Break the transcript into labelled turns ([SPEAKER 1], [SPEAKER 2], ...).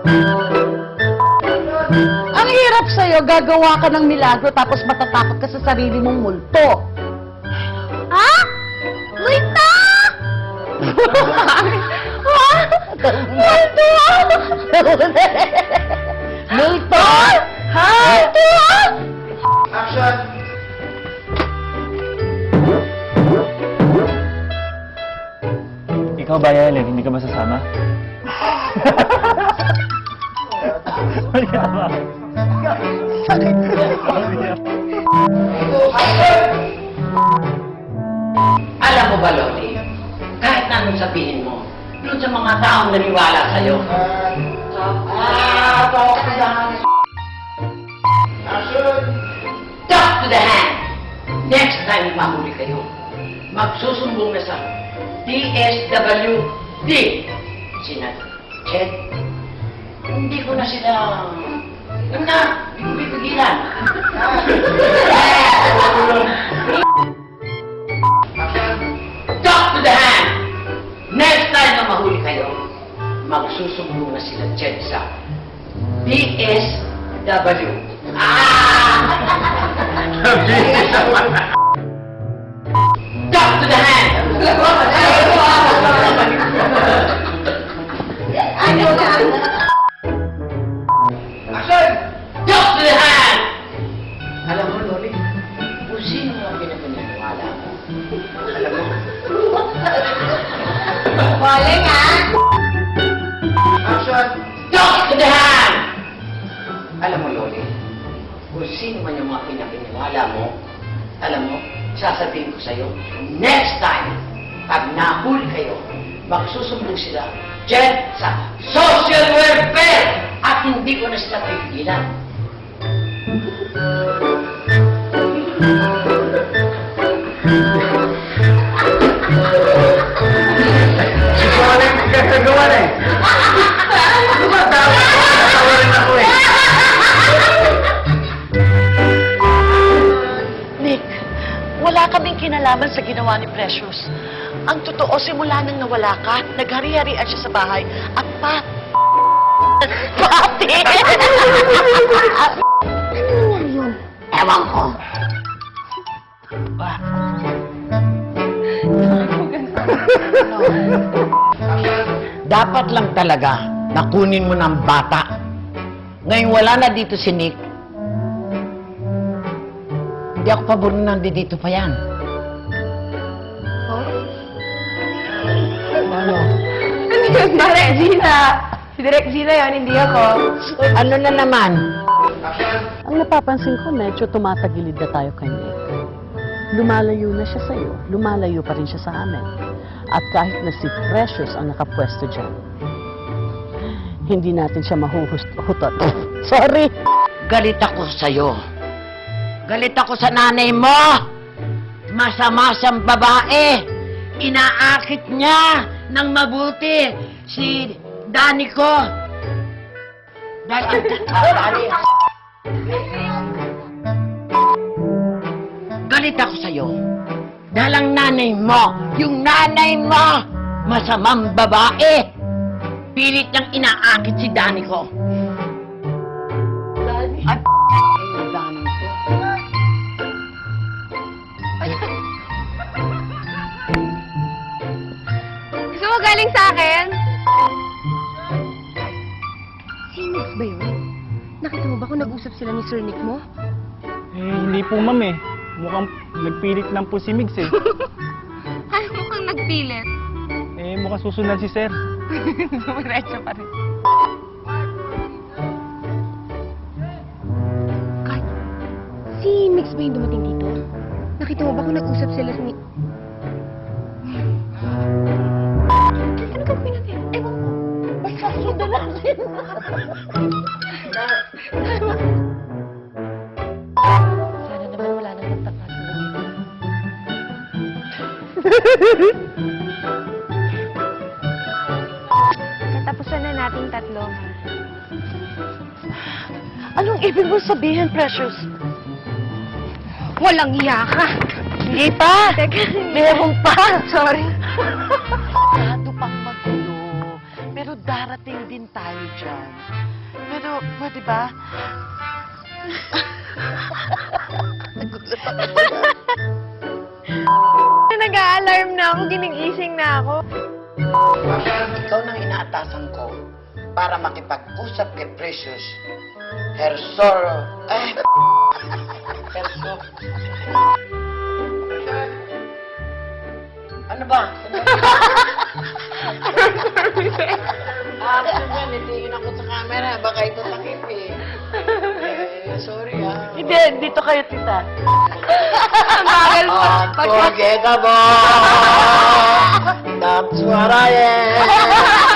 [SPEAKER 1] Ang hirap sa'yo, gagawa ka ng milagro tapos matatakot ka sa sarili mong multo.
[SPEAKER 2] Ha? Multo! Multo!
[SPEAKER 1] Multo? Ha?
[SPEAKER 2] Multo!
[SPEAKER 3] Action!
[SPEAKER 4] Ikaw ba, Yelen? Hindi ka ba sasama?
[SPEAKER 5] Alam mo ba, Loli, kahit na anong sabihin mo, doon sa mga taong naniwala sa'yo,
[SPEAKER 3] Action!
[SPEAKER 5] talk to the hand! Next time mahuli kayo, magsusumbong na sa DSWD. Sina Chet, hindi ko na sila, yun na, hindi ko pipigilan. Talk to the hand! Next time na mahuli kayo, magsusumbong na sila Chet sa DSW. Talk to the hand!
[SPEAKER 3] Action!
[SPEAKER 5] Talk to the hand! Alam mo, Loli, kung sino ang pinapaniwala mo, alam mo,
[SPEAKER 2] Galing, ha?
[SPEAKER 3] Action!
[SPEAKER 5] talk to the hand! Alam mo, Loli, kung sino man yung mga pinapaniwala mo, alam mo, sasabihin ko sa'yo, next time, pag nahuli kayo, magsusumbong sila dyan sa social welfare at hindi ko na sila pipigilan.
[SPEAKER 3] Ikaw na yung pagkakagawa na eh. Tumatawa rin ako eh.
[SPEAKER 1] Nick, wala kaming kinalaman sa ginawa ni Precious. Ang totoo, simula nang nawala ka, naghari-harian siya sa bahay at pati!
[SPEAKER 5] Ewan ko.
[SPEAKER 6] Dapat lang talaga nakunin mo ng bata. Ngayon wala na dito si Nick. Hindi ako pabor na nandito pa yan. Ano?
[SPEAKER 2] Mare, Gina. Si Direk Gina yun, hindi ako.
[SPEAKER 6] Ano na naman?
[SPEAKER 1] Ang napapansin ko, medyo tumatagilid na tayo kay Nick. Lumalayo na siya sa'yo, lumalayo pa rin siya sa amin. At kahit na si Precious ang nakapwesto dyan, hindi natin siya mahuhutot. Sorry!
[SPEAKER 6] Galit ako sa'yo. Galit ako sa nanay mo. Masama siyang babae. Inaakit niya ng mabuti si Dani ko. Dani. Galit ako sa'yo. Dahil ang nanay mo, yung nanay mo, masamang babae. Pilit niyang inaakit si Dani ko.
[SPEAKER 1] Dani?
[SPEAKER 6] At Dani ko.
[SPEAKER 2] Gusto mo galing sa akin? Si Nix ba yun? Nakita mo ba kung nag-usap sila ni Sir Nick mo?
[SPEAKER 4] Hindi po, ma'am eh. Mukhang nagpilit lang po si Migs eh.
[SPEAKER 2] Ay, mukhang nagpilit.
[SPEAKER 4] Mukhang susunod si Sir.
[SPEAKER 2] Dumiretso pa rin. Kay, si Mix ba yung dumating dito? Nakita mo ba kung nag-usap sila ni... Ano gagawin natin? Ewan ko. Basta sundan natin.
[SPEAKER 1] Sana naman wala nang magtatasalungin.
[SPEAKER 2] Katapusan na nating tatlo.
[SPEAKER 1] Anong ibig mo sabihin, Precious?
[SPEAKER 2] Walang iya ka.
[SPEAKER 1] Hindi pa! Meron pa!
[SPEAKER 2] Sorry.
[SPEAKER 1] Masyado pang magulo. Pero darating
[SPEAKER 6] Darating din tayo dyan. Pero, pwede ba?
[SPEAKER 2] Nag-a-alarm na ako, ginigising na ako.
[SPEAKER 5] Ikaw nang inaatasan ko para makipag-usap kay Precious. Hersoro. Herso. Ano ba? Nitingin ako sa camera. Baka ito takip eh. Sorry ah.
[SPEAKER 6] Hindi, dito kayo, tita.
[SPEAKER 2] Bagal mo.
[SPEAKER 5] Unforgettable! That's what I am!